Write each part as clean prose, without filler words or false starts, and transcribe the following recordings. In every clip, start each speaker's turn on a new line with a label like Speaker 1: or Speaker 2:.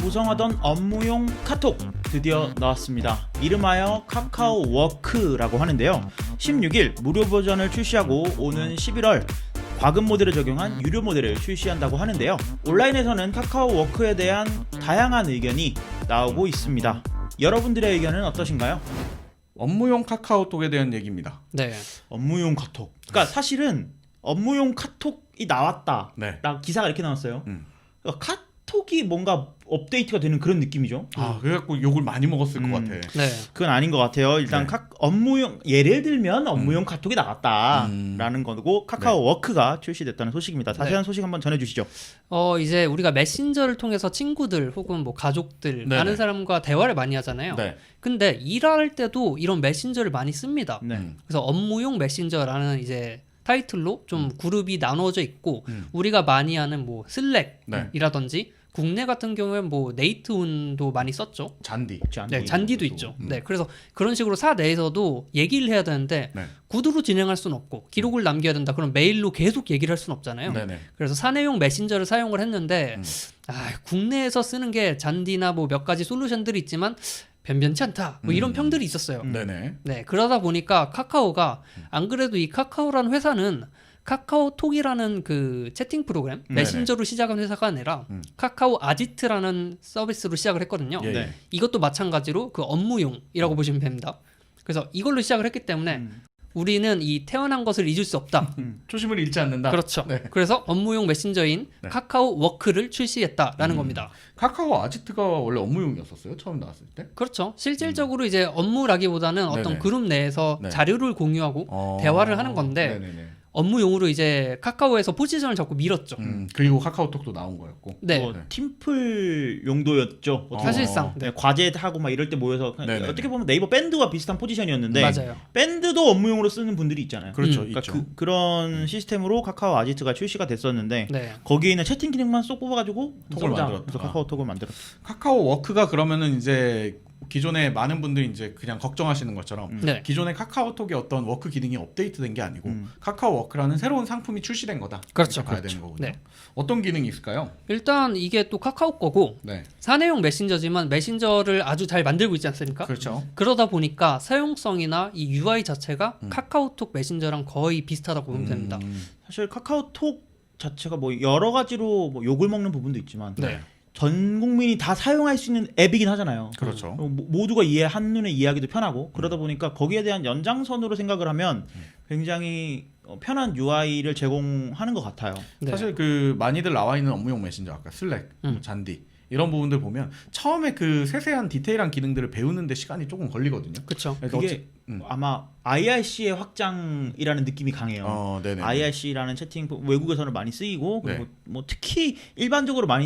Speaker 1: 구성하던 업무용 카톡 드디어 나왔습니다. 이름하여 카카오 워크라고 하는데요. 16일 무료 버전을 출시하고 오는 11월 과금 모델을 적용한 유료 모델을 출시한다고 하는데요. 온라인에서는 카카오 워크에 대한 다양한 의견이 나오고 있습니다. 여러분들의 의견은 어떠신가요?
Speaker 2: 업무용 카카오톡에 대한 얘기입니다.
Speaker 3: 네.
Speaker 1: 업무용 카톡. 그러니까 사실은 업무용 카톡이 나왔다.
Speaker 2: 네.
Speaker 1: 라 기사가 이렇게 나왔어요. 그러니까 카톡이 뭔가 업데이트가 되는 그런 느낌이죠.
Speaker 2: 그래갖고 욕을 많이 먹었을 것 같아.
Speaker 3: 네.
Speaker 1: 그건 아닌 것 같아요. 일단
Speaker 2: 네.
Speaker 1: 업무용 예를 들면 업무용 카톡이 나왔다라는 거고 카카오 워크가 출시됐다는 소식입니다. 자세한 소식 한번 전해주시죠.
Speaker 3: 이제 우리가 메신저를 통해서 친구들 혹은 뭐 가족들
Speaker 2: 네네.
Speaker 3: 아는 사람과 대화를 많이 하잖아요.
Speaker 2: 네.
Speaker 3: 근데 일할 때도 이런 메신저를 많이 씁니다.
Speaker 1: 네.
Speaker 3: 그래서 업무용 메신저라는 이제 타이틀로 좀 그룹이 나눠져 있고 우리가 많이 하는 뭐
Speaker 2: 네.
Speaker 3: 슬랙이라든지 국내 같은 경우에 뭐 네이트온도 많이 썼죠.
Speaker 2: 잔디.
Speaker 3: 네, 잔디도 있죠. 네, 그래서 그런 식으로 사 내에서도 얘기를 해야 되는데
Speaker 2: 네.
Speaker 3: 구두로 진행할 수는 없고 기록을 남겨야 된다. 그럼 메일로 계속 얘기를 할 수는 없잖아요.
Speaker 2: 네네.
Speaker 3: 그래서 사내용 메신저를 사용을 했는데 국내에서 쓰는 게 잔디나 뭐 몇 가지 솔루션들이 있지만 변변치 않다. 뭐 이런 평들이 있었어요.
Speaker 2: 네네.
Speaker 3: 네, 그러다 보니까 카카오가 안 그래도 이 카카오라는 회사는 카카오톡이라는 그 채팅 프로그램 메신저로 시작한 회사가 아니라 카카오 아지트라는 서비스로 시작을 했거든요.
Speaker 2: 예,
Speaker 1: 네.
Speaker 3: 이것도 마찬가지로 그 업무용이라고 보시면 됩니다. 그래서 이걸로 시작을 했기 때문에 우리는 이 태어난 것을 잊을 수 없다.
Speaker 2: 초심을 잃지 않는다.
Speaker 3: 그렇죠.
Speaker 2: 네.
Speaker 3: 그래서 업무용 메신저인
Speaker 2: 네.
Speaker 3: 카카오 워크를 출시했다라는 겁니다.
Speaker 2: 카카오 아지트가 원래 업무용이었었어요? 처음 나왔을 때?
Speaker 3: 그렇죠. 실질적으로 이제 업무라기보다는 어떤
Speaker 2: 네네.
Speaker 3: 그룹 내에서
Speaker 2: 네.
Speaker 3: 자료를 공유하고 대화를 하는 건데
Speaker 2: 네네네.
Speaker 3: 업무용으로 이제 카카오에서 포지션을 잡고 밀었죠.
Speaker 2: 그리고 카카오톡도 나온 거였고.
Speaker 3: 네.
Speaker 1: 뭐 팀플 용도였죠. 어떻게
Speaker 3: 사실상
Speaker 1: 네, 과제하고 막 이럴 때 모여서
Speaker 2: 네네네.
Speaker 1: 어떻게 보면 네이버 밴드와 비슷한 포지션이었는데
Speaker 3: 맞아요.
Speaker 1: 밴드도 업무용으로 쓰는 분들이 있잖아요.
Speaker 2: 그렇죠.
Speaker 1: 그러니까
Speaker 2: 있죠.
Speaker 1: 그런 시스템으로 카카오 아지트가 출시가 됐었는데
Speaker 3: 네.
Speaker 1: 거기에 있는 채팅 기능만 쏙 뽑아가지고
Speaker 2: 톡을
Speaker 1: 써보자.
Speaker 2: 만들었다.
Speaker 1: 그래서 카카오톡을 만들었죠.
Speaker 2: 카카오 워크가 그러면은 이제 기존에 많은 분들이 이제 그냥 걱정하시는 것처럼
Speaker 3: 네.
Speaker 2: 기존의 카카오톡의 어떤 워크 기능이 업데이트된 게 아니고 카카오 워크라는 새로운 상품이 출시된 거다.
Speaker 3: 그렇죠.
Speaker 2: 이렇게 봐야
Speaker 3: 그렇죠.
Speaker 2: 되는 거군요.
Speaker 3: 네.
Speaker 2: 어떤 기능이 있을까요?
Speaker 3: 일단 이게 또 카카오 거고
Speaker 2: 네.
Speaker 3: 사내용 메신저지만 메신저를 아주 잘 만들고 있지 않습니까?
Speaker 2: 그렇죠.
Speaker 3: 그러다 보니까 사용성이나 이 UI 자체가 카카오톡 메신저랑 거의 비슷하다고 보면 됩니다.
Speaker 1: 사실 카카오톡 자체가 뭐 여러 가지로 뭐 욕을 먹는 부분도 있지만
Speaker 3: 네.
Speaker 1: 전 국민이 다 사용할 수 있는 앱이긴 하잖아요.
Speaker 2: 그렇죠.
Speaker 1: 모두가 한눈에 이해하기도 편하고 그러다 보니까 거기에 대한 연장선으로 생각을 하면 굉장히 편한 UI를 제공하는 것 같아요.
Speaker 3: 네.
Speaker 2: 사실 그 많이들 나와 있는 업무용 메신저 아까 슬랙, 잔디 이런 부분들 보면 처음에 그 세세한 디테일한 기능들을 배우는데 시간이 조금 걸리거든요.
Speaker 3: 그렇죠.
Speaker 1: 그게 아마 IRC의 확장이라는 느낌이 강해요.
Speaker 2: 네네.
Speaker 1: IRC라는 채팅 외국에서는 많이 쓰이고 그리고
Speaker 2: 네.
Speaker 1: 뭐 특히 일반적으로 많이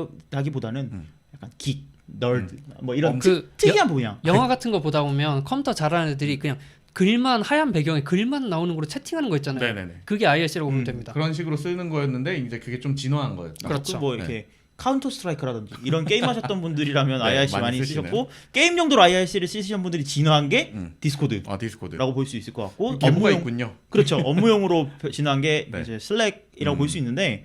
Speaker 1: 쓰인다기보다는 약간 긱, 널드 뭐 이런
Speaker 3: 그
Speaker 1: 특이한 분야.
Speaker 3: 영화 같은 거 보다 보면 컴퓨터 잘하는 애들이 그냥 글만 하얀 배경에 글만 나오는 거로 채팅하는 거 있잖아요.
Speaker 2: 네네네.
Speaker 3: 그게 IRC라고 보면 됩니다.
Speaker 2: 그런 식으로 쓰는 거였는데 이제 그게 좀 진화한 거였죠.
Speaker 3: 그렇죠.
Speaker 1: 뭐 이렇게 카운터 스트라이크라든지 이런 게임 하셨던 분들이라면
Speaker 2: 네,
Speaker 1: IRC
Speaker 2: 많이
Speaker 1: 많이
Speaker 2: 쓰시네요.
Speaker 1: 쓰셨고 게임 용도로 IRC를 쓰시는 분들이 진화한 게 디스코드라고
Speaker 2: 디스코드.
Speaker 1: 볼 수 있을 것 같고
Speaker 2: 업무가 있군요.
Speaker 1: 그렇죠. 업무용으로 진화한 게
Speaker 2: 네.
Speaker 1: 이제 슬랙이라고 볼 수 있는데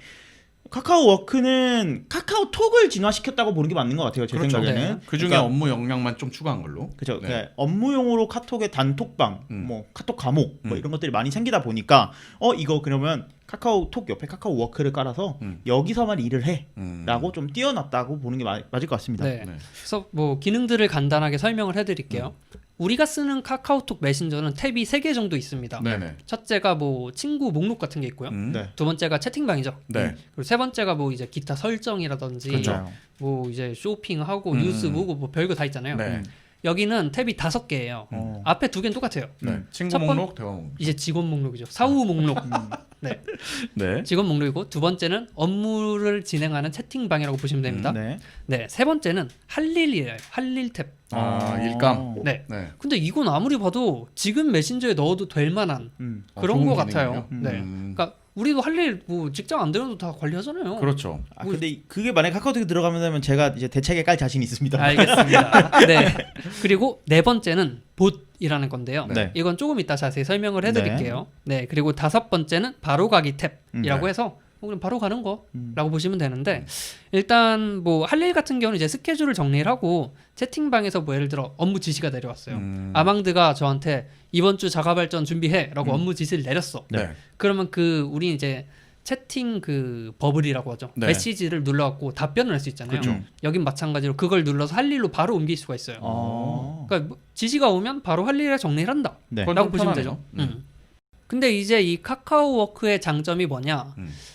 Speaker 1: 카카오 워크는 카카오톡을 진화시켰다고 보는 게 맞는 것 같아요. 제
Speaker 2: 그렇죠.
Speaker 1: 생각에는.
Speaker 3: 네.
Speaker 2: 그 중에
Speaker 1: 그러니까
Speaker 2: 업무 역량만 좀 추가한 걸로.
Speaker 1: 그렇죠.
Speaker 2: 네.
Speaker 1: 그러니까 업무용으로 카톡의 단톡방, 뭐 카톡 과목 뭐 이런 것들이 많이 생기다 보니까 이거 그러면 카카오톡 옆에 카카오 워크를 깔아서 여기서만 일을 해라고 좀 띄워놨다고 보는 게 맞을 것 같습니다.
Speaker 3: 네.
Speaker 2: 네.
Speaker 3: 그래서 뭐 기능들을 간단하게 설명을 해드릴게요. 우리가 쓰는 카카오톡 메신저는 탭이 3개 정도 있습니다.
Speaker 2: 네네.
Speaker 3: 첫째가 뭐 친구 목록 같은 게 있고요.
Speaker 1: 네.
Speaker 3: 두 번째가 채팅방이죠.
Speaker 2: 네.
Speaker 3: 그리고 세 번째가 뭐 이제 기타 설정이라든지
Speaker 1: 그렇죠.
Speaker 3: 뭐 이제 쇼핑하고 뉴스 보고 뭐 별거 다 있잖아요.
Speaker 2: 네.
Speaker 3: 여기는 탭이 5개예요. 앞에 2개는 똑같아요.
Speaker 2: 네. 친구
Speaker 3: 첫 번-
Speaker 2: 목록, 대화 목록.
Speaker 3: 이제 직원 목록이죠. 사후 목록. 네.
Speaker 2: 네.
Speaker 3: 직원 목록이고 두 번째는 업무를 진행하는 채팅방이라고 보시면 됩니다.
Speaker 1: 네.
Speaker 3: 네. 세 번째는 할 일이에요. 할 일 탭.
Speaker 2: 일감.
Speaker 3: 네.
Speaker 2: 네.
Speaker 3: 근데 이건 아무리 봐도 지금 메신저에 넣어도 될 만한 그런
Speaker 2: 좋은
Speaker 3: 거 같아요.
Speaker 2: 기능이네요.
Speaker 3: 네. 그러니까 우리도 할 일 뭐 직장 안 되는도 다 관리하잖아요.
Speaker 2: 그렇죠.
Speaker 1: 근데 그게 만약 카카오톡에 들어가면 되면 제가 이제 대책에 깔 자신이 있습니다.
Speaker 3: 알겠습니다. 네. 그리고 네 번째는 봇이라는 건데요.
Speaker 1: 네.
Speaker 3: 이건 조금 이따 자세히 설명을 해드릴게요. 네. 그리고 다섯 번째는 바로가기 탭이라고 해서 그냥 바로 가는 거라고 보시면 되는데 일단 뭐 할 일 같은 경우는 이제 스케줄을 정리를 하고 채팅방에서 뭐 예를 들어 업무 지시가 내려왔어요. 아망드가 저한테 이번 주 자가 발전 준비해라고 업무 지시를 내렸어.
Speaker 2: 네.
Speaker 3: 그러면 우리 이제 채팅 그 버블이라고 하죠.
Speaker 2: 네.
Speaker 3: 메시지를 눌러갖고 답변을 할 수 있잖아요.
Speaker 2: 그렇죠.
Speaker 3: 여긴 마찬가지로 그걸 눌러서 할 일로 바로 옮길 수가 있어요. 그러니까 뭐 지시가 오면 바로 할 일에 정리를 한다.
Speaker 1: 네.
Speaker 2: 그건
Speaker 3: 라고
Speaker 2: 좀
Speaker 3: 보시면
Speaker 2: 편하네요.
Speaker 3: 되죠. 근데 이제 이 카카오워크의 장점이 뭐냐?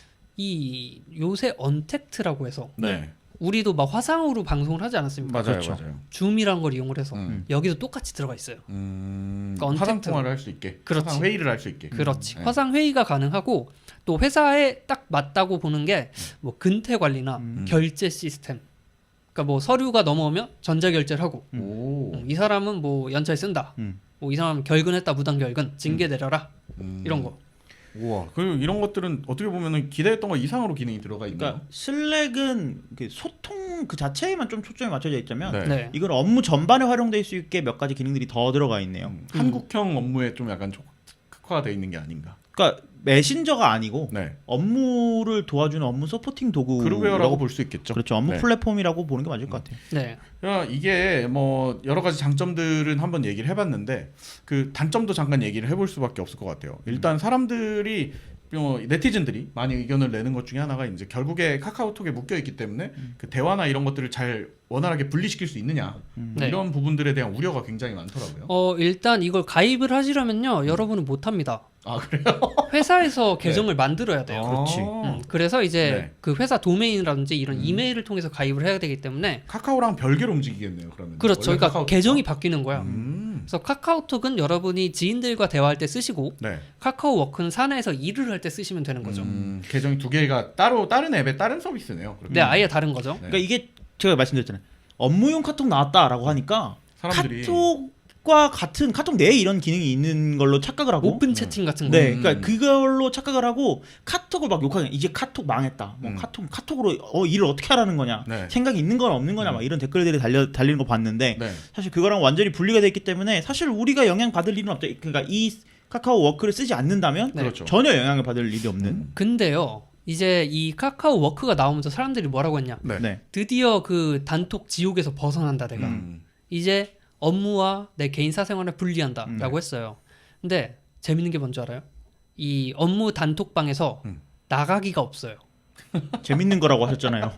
Speaker 3: 이 요새 언택트라고 해서
Speaker 2: 네.
Speaker 3: 우리도 막 화상으로 방송을 하지 않았습니까?
Speaker 2: 맞아요,
Speaker 1: 그렇죠.
Speaker 2: 맞아요.
Speaker 3: 줌이란 걸 이용을 해서
Speaker 2: 음.
Speaker 3: 여기도 똑같이 들어가 있어요. 그러니까
Speaker 2: 화상
Speaker 3: 언택트.
Speaker 2: 통화를 할 수 있게,
Speaker 3: 그렇지.
Speaker 2: 화상 회의를 할 수 있게.
Speaker 3: 그렇지.
Speaker 2: 네.
Speaker 3: 화상 회의가 가능하고 또 회사에 딱 맞다고 보는 게 뭐 근태 관리나 결제 시스템. 그러니까 뭐 서류가 넘어오면 전자 결제를 하고
Speaker 2: 오.
Speaker 3: 이 사람은 뭐 연차에 쓴다. 뭐 이 사람 결근했다 무단 결근 징계 내려라. 이런 거.
Speaker 2: 우와. 그리고 이런 것들은 어떻게 보면은 기대했던 것 이상으로 기능이 들어가 있네요.
Speaker 1: 그러니까 슬랙은 그 소통 그 자체에만 좀 초점이 맞춰져 있자면
Speaker 2: 네.
Speaker 3: 네.
Speaker 1: 이건 업무 전반에 활용될 수 있게 몇 가지 기능들이 더 들어가 있네요.
Speaker 2: 한국형 업무에 좀 약간 특화가 돼 있는 게 아닌가.
Speaker 1: 그러니까 메신저가 아니고
Speaker 2: 네.
Speaker 1: 업무를 도와주는 업무 서포팅 도구라고
Speaker 2: 그룹웨어라고 볼 수 있겠죠.
Speaker 1: 그렇죠. 업무
Speaker 2: 네.
Speaker 1: 플랫폼이라고 보는 게 맞을 것 같아요.
Speaker 3: 네.
Speaker 2: 그러니까 이게 뭐 여러 가지 장점들은 한번 얘기를 해봤는데 그 단점도 잠깐 얘기를 해볼 수밖에 없을 것 같아요. 일단 사람들이 네티즌들이 많이 의견을 내는 것 중에 하나가 이제 결국에 카카오톡에 묶여 있기 때문에 그 대화나 이런 것들을 잘 원활하게 분리시킬 수 있느냐 뭐
Speaker 3: 네.
Speaker 2: 이런 부분들에 대한 우려가 굉장히 많더라고요.
Speaker 3: 일단 이걸 가입을 하시려면요. 여러분은 못 합니다.
Speaker 2: 아 그래요?
Speaker 3: 회사에서 계정을 만들어야 돼요.
Speaker 1: 그렇지.
Speaker 3: 그래서 이제
Speaker 2: 네.
Speaker 3: 그 회사 도메인이라든지 이런 이메일을 통해서 가입을 해야 되기 때문에
Speaker 2: 카카오랑 별개로 움직이겠네요. 그러면
Speaker 3: 그렇죠.
Speaker 2: 원래
Speaker 3: 그러니까
Speaker 2: 카카오톡과?
Speaker 3: 계정이 바뀌는 거야.
Speaker 2: 음.
Speaker 3: 그래서 카카오톡은 여러분이 지인들과 대화할 때 쓰시고
Speaker 2: 네.
Speaker 3: 카카오워크는 사내에서 일을 할 때 쓰시면 되는 거죠.
Speaker 2: 계정이 두 개가 따로 다른 앱에 다른 서비스네요. 그러면.
Speaker 3: 네, 아예 다른 거죠.
Speaker 2: 네.
Speaker 1: 그러니까 이게 제가 말씀드렸잖아요. 업무용 카톡 나왔다라고 하니까
Speaker 2: 사람들이
Speaker 1: 카톡과 같은 카톡 내에 이런 기능이 있는 걸로 착각을 하고
Speaker 3: 오픈 채팅 같은 거.
Speaker 1: 네, 그러니까 그걸로 착각을 하고 카톡을 막 욕하는 이제 카톡 망했다. 뭐 카톡으로 일을 어떻게 하라는 거냐.
Speaker 2: 네.
Speaker 1: 생각이 있는 건 없는 거냐. 막 이런 댓글들이 달리는 거 봤는데
Speaker 2: 네.
Speaker 1: 사실 그거랑 완전히 분리가 돼 있기 때문에 사실 우리가 영향 받을 일은 없죠. 그러니까 이 카카오 워크를 쓰지 않는다면
Speaker 3: 네.
Speaker 2: 그렇죠.
Speaker 1: 전혀 영향을 받을 일이 없는.
Speaker 3: 근데요. 이제 이 카카오워크가 나오면서 사람들이 뭐라고 했냐?
Speaker 2: 네.
Speaker 1: 네.
Speaker 3: 드디어 그 단톡 지옥에서 벗어난다 내가. 이제 업무와 내 개인 사생활을 분리한다라고 했어요. 근데 재밌는 게 뭔지 알아요? 이 업무 단톡방에서 나가기가 없어요.
Speaker 1: 재밌는 거라고 하셨잖아요.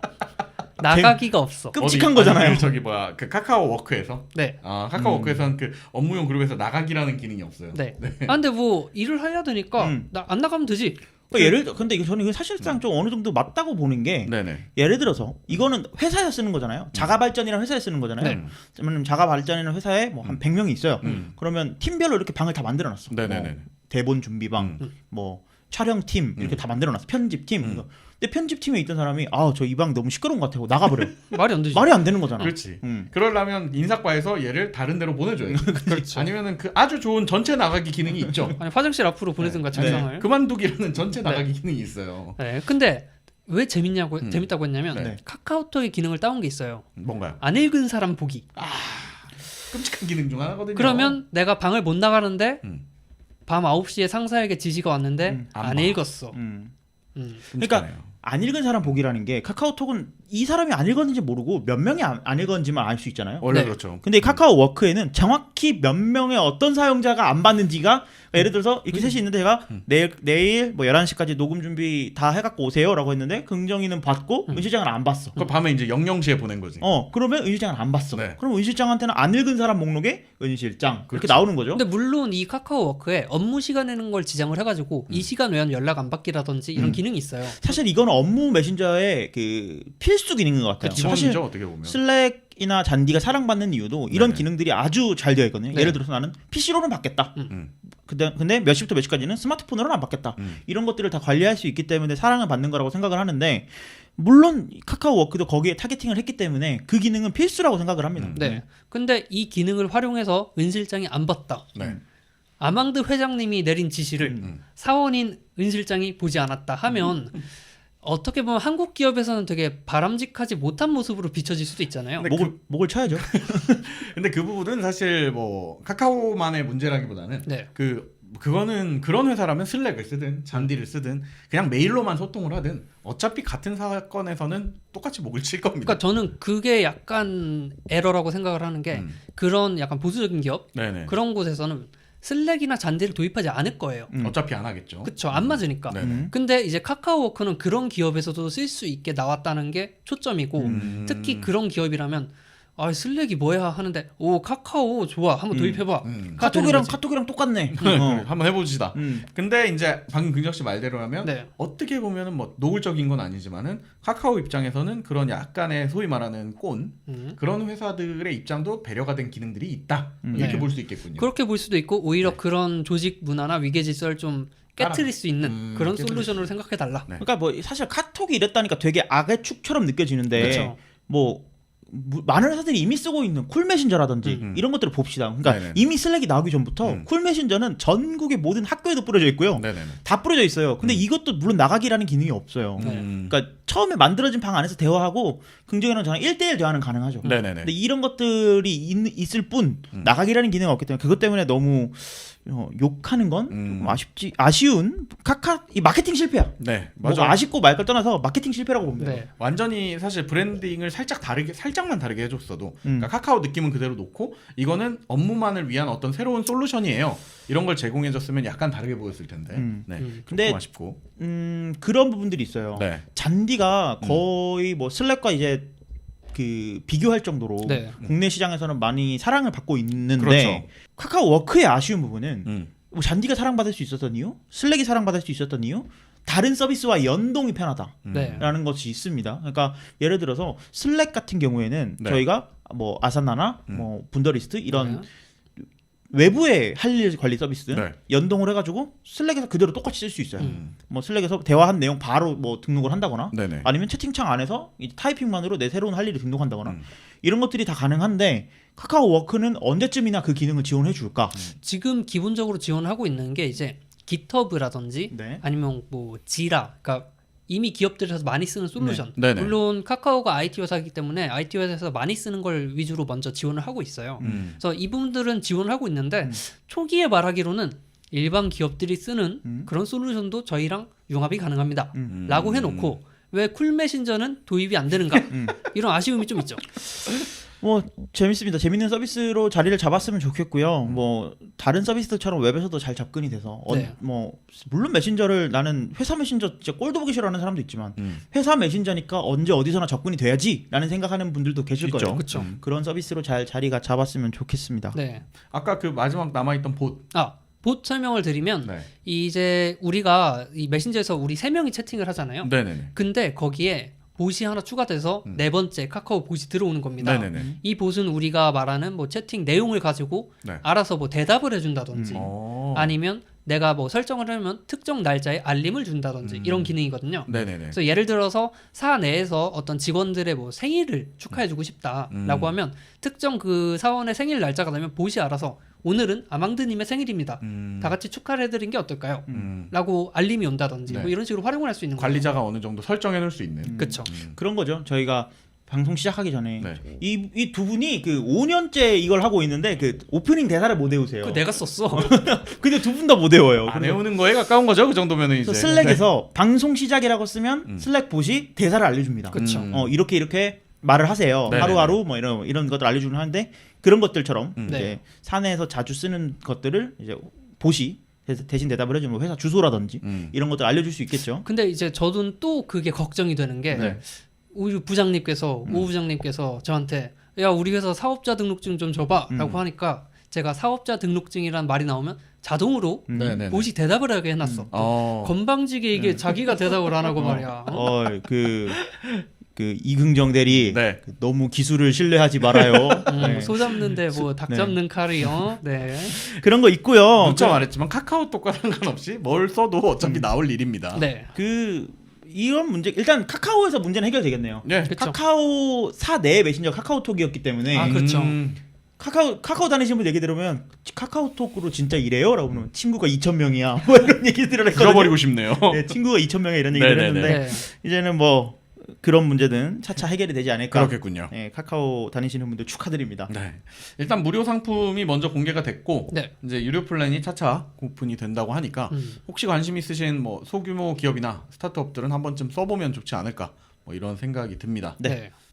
Speaker 3: 나가기가 없어.
Speaker 1: 끔찍한
Speaker 2: 어디?
Speaker 1: 거잖아요.
Speaker 2: 아니, 저기 뭐야 그 카카오 워크에서
Speaker 3: 네.
Speaker 2: 카카오 워크에서는 그 업무용 그룹에서 나가기라는 기능이 없어요.
Speaker 3: 네. 아 근데 뭐 일을 해야 되니까 나 안 나가면 되지.
Speaker 1: 근데 이거 저는 이거 사실상 좀 어느 정도 맞다고 보는 게
Speaker 2: 네네.
Speaker 1: 예를 들어서 이거는 회사에서 쓰는 거잖아요. 자가 발전이라는 회사에 쓰는 거잖아요.
Speaker 3: 네.
Speaker 1: 그러면 자가 발전이라는 회사에 뭐 한 100명이 있어요. 그러면 팀별로 이렇게 방을 다 만들어 놨어.
Speaker 2: 네네네.
Speaker 1: 뭐 대본 준비방, 뭐 촬영팀 이렇게 다 만들어 놨어. 편집팀. 이거. 근데 편집팀에 있던 사람이 저 이 방 너무 시끄러운 것 같아요. 나가버려.
Speaker 3: 말이 안 되지.
Speaker 1: 말이 안 되는 거잖아.
Speaker 2: 그렇지. 그러려면 인사과에서 얘를 다른 데로 보내줘요.
Speaker 3: 그렇죠.
Speaker 2: 아니면은 그 아주 좋은 전체 나가기 기능이 있죠.
Speaker 3: 아니 화장실 앞으로 보내든가 책상을.
Speaker 2: 네. 그만두기라는 전체 나가기 기능이 있어요.
Speaker 3: 네. 근데 왜 재밌다고 했냐면
Speaker 2: 네.
Speaker 3: 카카오톡의 기능을 따온 게 있어요.
Speaker 2: 뭔가요?
Speaker 3: 안 읽은 사람 보기.
Speaker 2: 끔찍한 기능 중 하나거든요.
Speaker 3: 그러면 내가 방을 못 나가는데
Speaker 2: 음.
Speaker 3: 밤 9시에 상사에게 지시가 왔는데
Speaker 2: 안
Speaker 3: 안
Speaker 2: 봐.
Speaker 3: 읽었어.
Speaker 1: 그러니까 안 읽은 사람 보기라는 게 카카오톡은 이 사람이 안 읽었는지 모르고 몇 명이 안 읽었는지만 알 수 있잖아요.
Speaker 2: 원래
Speaker 3: 네.
Speaker 2: 그렇죠.
Speaker 1: 근데 이 카카오 워크에는 정확히 몇 명의 어떤 사용자가 안 받는지가 예를 들어서 이렇게 셋이 있는데 제가 내일 뭐 11시까지 녹음 준비 다 해갖고 오세요라고 했는데 긍정이는 받고 은실장은 안 봤어.
Speaker 2: 그 밤에 이제 00시에 보낸 거지.
Speaker 1: 그러면 은실장은 안 봤어.
Speaker 2: 네.
Speaker 1: 그럼 은실장한테는 안 읽은 사람 목록에 은실장 이렇게
Speaker 2: 그렇죠.
Speaker 1: 나오는 거죠.
Speaker 3: 근데 물론 이 카카오워크에 업무 시간에는 걸 지정을 해가지고 이 시간 외에는 연락 안 받기라든지 이런 기능이 있어요.
Speaker 1: 사실 이건 업무 메신저의 그 필수 기능인 것 같아요. 사실
Speaker 2: 기본이죠 어떻게 보면.
Speaker 1: 슬랙이나 잔디가 사랑받는 이유도 이런
Speaker 2: 네네.
Speaker 1: 기능들이 아주 잘 되어 있거든요.
Speaker 3: 네.
Speaker 1: 예를 들어서 나는 PC로는 받겠다. 근데 몇 시부터 몇 시까지는 스마트폰으로는 안 받겠다. 이런 것들을 다 관리할 수 있기 때문에 사랑을 받는 거라고 생각을 하는데 물론 카카오워크도 거기에 타겟팅을 했기 때문에 그 기능은 필수라고 생각을 합니다.
Speaker 3: 네. 근데 이 기능을 활용해서 은 실장이 안 봤다.
Speaker 2: 네.
Speaker 3: 아망드 회장님이 내린 지시를 사원인 은 실장이 보지 않았다 하면 어떻게 보면 한국 기업에서는 되게 바람직하지 못한 모습으로 비춰질 수도 있잖아요.
Speaker 2: 근데
Speaker 1: 목을 쳐야죠.
Speaker 2: 근데 그 부분은 사실 뭐 카카오만의 문제라기보다는
Speaker 3: 네.
Speaker 2: 그 그거는 그런 회사라면 슬랙을 쓰든 잔디를 쓰든 그냥 메일로만 소통을 하든 어차피 같은 사건에서는 똑같이 목을 칠 겁니다.
Speaker 3: 그러니까 저는 그게 약간 에러라고 생각을 하는 게 그런 약간 보수적인 기업
Speaker 2: 네네.
Speaker 3: 그런 곳에서는 슬랙이나 잔디를 도입하지 않을 거예요.
Speaker 2: 어차피 안 하겠죠.
Speaker 3: 그쵸, 안 맞으니까.
Speaker 2: 네네.
Speaker 3: 근데 이제 카카오워크는 그런 기업에서도 쓸 수 있게 나왔다는 게 초점이고 특히 그런 기업이라면 아 슬랙이 뭐야 하는데 오 카카오 좋아 한번 도입해봐.
Speaker 1: 카톡이랑 똑같네.
Speaker 2: 한번 해보시다. 근데 이제 방금 긍정 씨 말대로라면
Speaker 3: 네.
Speaker 2: 어떻게 보면은 뭐 노골적인 건 아니지만은 카카오 입장에서는 그런 약간의 소위 말하는 꼰 그런 회사들의 입장도 배려가 된 기능들이 있다 이렇게
Speaker 3: 네.
Speaker 2: 볼 수 있겠군요.
Speaker 3: 그렇게 볼 수도 있고 오히려
Speaker 2: 네.
Speaker 3: 그런 조직 문화나 위계 질서를 좀 깨트릴 수 있는 그런
Speaker 2: 깨트릴
Speaker 3: 솔루션으로 생각해 달라.
Speaker 2: 네.
Speaker 1: 그러니까 뭐 사실 카톡이 이랬다니까 되게 악의 축처럼 느껴지는데
Speaker 3: 그렇죠.
Speaker 1: 뭐 많은 회사들이 이미 쓰고 있는 쿨 메신저라든지 이런 것들을 봅시다. 그러니까
Speaker 2: 네네.
Speaker 1: 이미 슬랙이 나오기 전부터 쿨 메신저는 전국의 모든 학교에도 뿌려져 있고요.
Speaker 2: 네네네.
Speaker 1: 다 뿌려져 있어요. 근데 이것도 물론 나가기라는 기능이 없어요. 그러니까 처음에 만들어진 방 안에서 대화하고 긍정이랑 저랑 1대1 대화는 가능하죠.
Speaker 2: 네네네.
Speaker 1: 근데 이런 것들이 있을 뿐 나가기라는 기능이 없기 때문에 그것 때문에 너무 욕하는 건 좀 아쉬운 이 마케팅 실패야.
Speaker 2: 네,
Speaker 1: 뭐
Speaker 2: 맞아.
Speaker 1: 아쉽고 말 걸 떠나서 마케팅 실패라고 봅니다.
Speaker 3: 네.
Speaker 2: 완전히 사실 브랜딩을 살짝만 다르게 해줬어도 그러니까 카카오 느낌은 그대로 놓고 이거는 업무만을 위한 어떤 새로운 솔루션이에요. 이런 걸 제공해줬으면 약간 다르게 보였을 텐데. 네,
Speaker 1: 근데
Speaker 2: 조금 아쉽고.
Speaker 1: 그런 부분들이 있어요.
Speaker 2: 네.
Speaker 1: 잔디가 거의 뭐 슬랙과 이제 그 비교할 정도로
Speaker 3: 네.
Speaker 1: 국내 시장에서는 많이 사랑을 받고 있는데
Speaker 2: 그렇죠.
Speaker 1: 카카오 워크의 아쉬운 부분은 뭐 잔디가 사랑받을 수 있었던 이유, 슬랙이 사랑받을 수 있었던 이유, 다른 서비스와 연동이 편하다라는
Speaker 3: 네.
Speaker 1: 것이 있습니다. 그러니까 예를 들어서 슬랙 같은 경우에는
Speaker 2: 네.
Speaker 1: 저희가 뭐 아사나나 뭐 분더리스트 이런
Speaker 3: 네.
Speaker 1: 외부의 할 일 관리 서비스
Speaker 2: 네.
Speaker 1: 연동을 해가지고 슬랙에서 그대로 똑같이 쓸 수 있어요. 뭐 슬랙에서 대화한 내용 바로 뭐 등록을 한다거나
Speaker 2: 네네.
Speaker 1: 아니면 채팅창 안에서 이 타이핑만으로 내 새로운 할 일을 등록한다거나 이런 것들이 다 가능한데 카카오 워크는 언제쯤이나 그 기능을 지원해 줄까?
Speaker 3: 지금 기본적으로 지원하고 있는 게 이제 깃허브라든지
Speaker 1: 네.
Speaker 3: 아니면 뭐 지라, 그러니까 이미 기업들에서 많이 쓰는 솔루션.
Speaker 2: 네. 네네.
Speaker 3: 물론 카카오가 IT 회사이기 때문에 IT 회사에서 많이 쓰는 걸 위주로 먼저 지원을 하고 있어요. 그래서 이 부분들은 지원을 하고 있는데 초기에 말하기로는 일반 기업들이 쓰는 그런 솔루션도 저희랑 융합이 가능합니다. 라고 해놓고 왜 쿨 메신저는 도입이 안 되는가? 이런 아쉬움이 좀 있죠.
Speaker 1: 뭐 재밌습니다. 재밌는 서비스로 자리를 잡았으면 좋겠고요. 뭐 다른 서비스처럼 웹에서도 잘 접근이 돼서
Speaker 3: 네.
Speaker 1: 뭐 물론 메신저를 나는 회사 메신저 진짜 꼴도 보기 싫어하는 사람도 있지만 회사 메신저니까 언제 어디서나 접근이 돼야지라는 생각하는 분들도 계실
Speaker 2: 있죠.
Speaker 1: 거예요.
Speaker 3: 그쵸.
Speaker 1: 그런 서비스로 잘 자리가 잡았으면 좋겠습니다.
Speaker 3: 네.
Speaker 2: 아까 그 마지막 남아있던 봇.
Speaker 3: 봇 설명을 드리면
Speaker 2: 네.
Speaker 3: 이제 우리가 이 메신저에서 우리 3명이 채팅을 하잖아요.
Speaker 2: 네네네.
Speaker 3: 근데 거기에 봇이 하나 추가돼서 네 번째 카카오 봇이 들어오는 겁니다.
Speaker 2: 네네네.
Speaker 3: 이 봇은 우리가 말하는 뭐 채팅 내용을 가지고
Speaker 2: 네.
Speaker 3: 알아서 뭐 대답을 해준다든지
Speaker 2: 어.
Speaker 3: 아니면 내가 뭐 설정을 하면 특정 날짜에 알림을 준다든지 이런 기능이거든요.
Speaker 2: 네네네.
Speaker 3: 그래서 예를 들어서 사 내에서 어떤 직원들의 뭐 생일을 축하해주고 싶다라고 하면 특정 그 사원의 생일 날짜가 되면 봇이 알아서 오늘은 아망드님의 생일입니다. 다 같이 축하를 해드린 게 어떨까요? 라고 알림이 온다든지
Speaker 2: 네.
Speaker 3: 뭐 이런 식으로 활용을 할 수 있는 거예요.
Speaker 2: 관리자가 어느 정도 설정해 놓을 수 있는.
Speaker 3: 그렇죠.
Speaker 1: 그런 거죠. 저희가 방송 시작하기 전에
Speaker 2: 네.
Speaker 1: 이 두 분이 그 5년째 이걸 하고 있는데 그 오프닝 대사를 못 외우세요.
Speaker 3: 그 내가 썼어.
Speaker 1: 근데 두 분 다 못 외워요.
Speaker 2: 안 외우는 거에 가까운 거죠. 그 정도면은 이제.
Speaker 1: 그래서 슬랙에서 방송 시작이라고 쓰면 슬랙 봇이 대사를 알려줍니다.
Speaker 3: 그쵸.
Speaker 1: 이렇게 말을 하세요.
Speaker 2: 네네네.
Speaker 1: 하루하루 뭐 이런 것들 알려주긴 하는데 그런 것들처럼 이제
Speaker 3: 네.
Speaker 1: 사내에서 자주 쓰는 것들을 이제 봇이 대신 대답을 해주면 회사 주소라든지 이런 것들 알려줄 수 있겠죠.
Speaker 3: 근데 이제 저는 또 그게 걱정이 되는 게
Speaker 2: 네.
Speaker 3: 우리 부장님께서 오 부장님께서 저한테 야 우리 회사 사업자 등록증 좀 줘봐라고 하니까 제가 사업자 등록증이란 말이 나오면 자동으로
Speaker 2: 네네네.
Speaker 3: 봇이 대답을 하게 해놨어. 건방지게 이게 자기가 대답을 안 하고 말이야.
Speaker 1: 그 이긍정 대리
Speaker 2: 네.
Speaker 1: 그 너무 기술을 신뢰하지 말아요. 네.
Speaker 3: 소 잡는데 뭐 닭
Speaker 1: 네.
Speaker 3: 잡는 칼이요. 네.
Speaker 1: 그런 거 있고요.
Speaker 2: 문자 말했지만 카카오톡과 상관없이 뭘 써도 어차피 나올 일입니다.
Speaker 3: 네.
Speaker 1: 이런 문제 일단 카카오에서 문제는 해결되겠네요.
Speaker 2: 네.
Speaker 3: 그쵸.
Speaker 1: 카카오사 내 메신저 카카오톡이었기 때문에
Speaker 3: 아, 그렇죠.
Speaker 1: 카카오 다니시는 분 얘기 들으면 카카오톡으로 진짜 이래요?라고 하면 친구가 2,000명이야. 뭐 이런 얘기들을 했거든요.
Speaker 2: 죽어버리고 싶네요.
Speaker 1: 네, 친구가 2,000명이야 이런 얘기를
Speaker 2: 네네네.
Speaker 1: 했는데
Speaker 3: 네.
Speaker 1: 이제는 뭐 그런 문제는 차차 해결이 되지 않을까.
Speaker 2: 그렇겠군요.
Speaker 1: 네, 카카오 다니시는 분들 축하드립니다.
Speaker 2: 네. 일단 무료 상품이 먼저 공개가 됐고
Speaker 3: 네.
Speaker 2: 이제 유료 플랜이 차차 오픈이 된다고 하니까 혹시 관심 있으신 뭐 소규모 기업이나 스타트업들은 한 번쯤 써보면 좋지 않을까 뭐 이런 생각이 듭니다.
Speaker 1: 네.
Speaker 3: 네.